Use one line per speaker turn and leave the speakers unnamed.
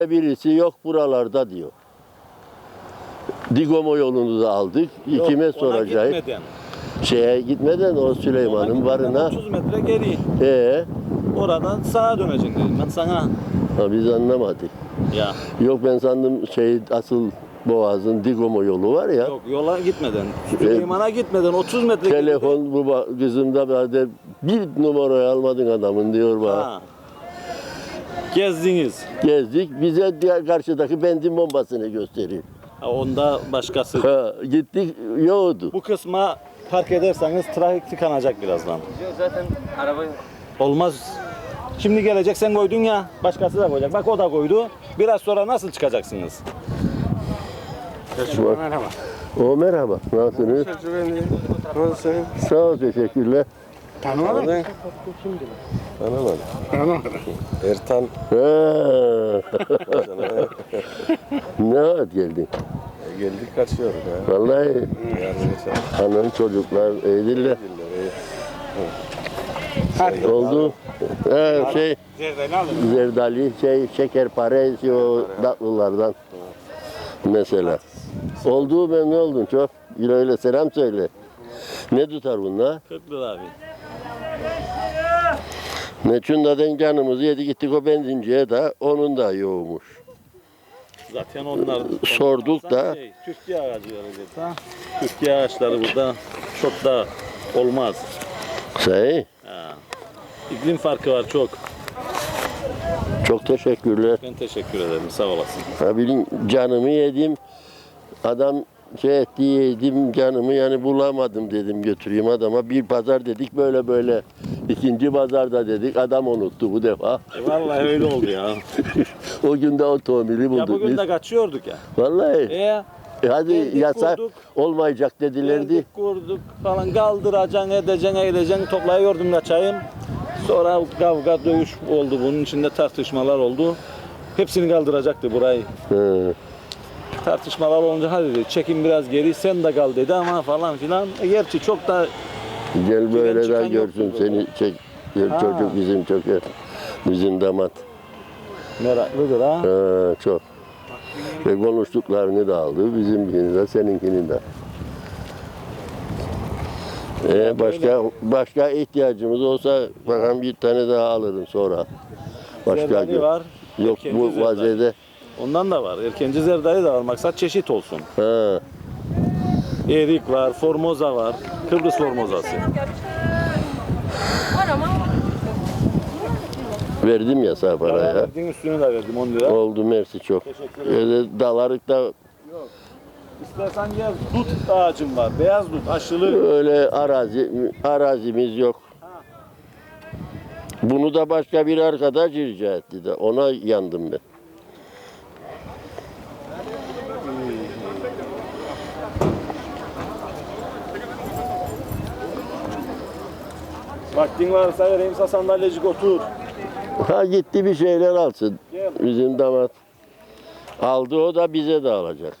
Birisi yok buralarda diyor. Digomo yolunu da aldık. Kime
Ona
soracağız?
gitmeden.
Şeye gitmeden o Süleyman'ın varına.
30 metre geri.
Ee,
Oradan sağa döneceksin dedim ben sana.
ha, biz anlamadık.
Ya
Yok ben sandım asıl Boğaz'ın Digomo yolu var ya.
yok yola gitmeden. Süleyman'a gitmeden 30 metre
Telefon kızımda böyle bir numarayı almadın adamın diyor bana.
Ha. Gezdiniz.
Gezdik bize diğer karşıdaki benzin bombasını gösteriyor.
Ha, onda başkası.
Ha, gittik yoktu.
Bu kısma park ederseniz trafik tıkanacak birazdan.
Yok zaten araba yok.
Olmaz. Şimdi gelecek sen koydun ya, başkası da koyacak. Bak o da koydu. Biraz sonra nasıl çıkacaksınız?
Şu an-
Merhaba.
O merhaba. Nasılsınız?
Nasılsın?
Sağ ol teşekkürler.
Tanımadın mı?
Tanımadım. Ertan
Ha. Ne vakit geldin?
geldik kaçıyoruz ya.
Vallahi
Yarın geçer.
hanım çocuklar iyidirler. Oldu. Zerdali, şekerpare, o tatlılardan mesela. Oldu ben ne oldun çok. Öyle selam söyle. Ne tutar bunlar?
40 lira abi.
Neçundadan canımızı yedik gittik o benzinciye de onun da yoğumuş.
Zaten onlar
Sorduk da.
Türkiye ağacı verecek ha. Türkiye ağaçları burada çok da olmaz.
Say,
Ha. İklim farkı var çok.
çok teşekkürler.
Ben teşekkür ederim. Sağ olasın.
Ha bilin canımı yedim. Adam etti yedim canımı yani bulamadım dedim götüreyim adama. Bir pazar dedik böyle böyle. İkinci pazarda dedik adam unuttu bu defa.
Vallahi öyle oldu ya.
O gün de otomobili
Ya
bulduk
bugün
biz.
de kaçıyorduk ya.
Vallahi. Hadi
geldik,
yasak
kurduk.
olmayacak dedilerdi.
Geldik, kurduk falan kaldıracaksın, edeceksin, toplayıyordum kaçayım. Sonra kavga, dövüş oldu. Bunun içinde tartışmalar oldu. Hepsini kaldıracaktı burayı.
Hı.
Tartışmalar olunca hadi dedi, çekin biraz geri sen de kal dedi ama falan filan. Gerçi çok da
Gel böyle
çıkan
de görsün
yoktu
seni çek. Gel
Ha.
çocuk bizim çok bizim damat.
meraklıdır ha.
Ha, çok. Ve konuştuklarını da aldı. Bizimkini de seninkini de. Başka ihtiyacımız olsa bakalım bir tane daha alırım sonra. Başka
Zerdali
gün.
var.
Yok
erkenci
bu
zerdali.
vaziyette.
Ondan da var. Erkenci zerdali de var. Maksat çeşit olsun.
Ha.
Erik var, formoza var. Kıbrıs formozası.
Verdim ya sana paraya.
Verdiğin üstünü de verdim 10 lira.
Oldu mersi çok.
Teşekkür ederim.
Öyle dalarık da
İstersen gel dut ağacım var. Beyaz dut aşılı.
öyle arazimiz yok. Bunu da başka bir arkadaş rica etti de ona yandım ben.
Vaktin varsa vereyim sana sandalyecik otur.
Ha gitti bir şeyler alsın.
Gel.
Bizim damat. Aldı o da bize de alacak.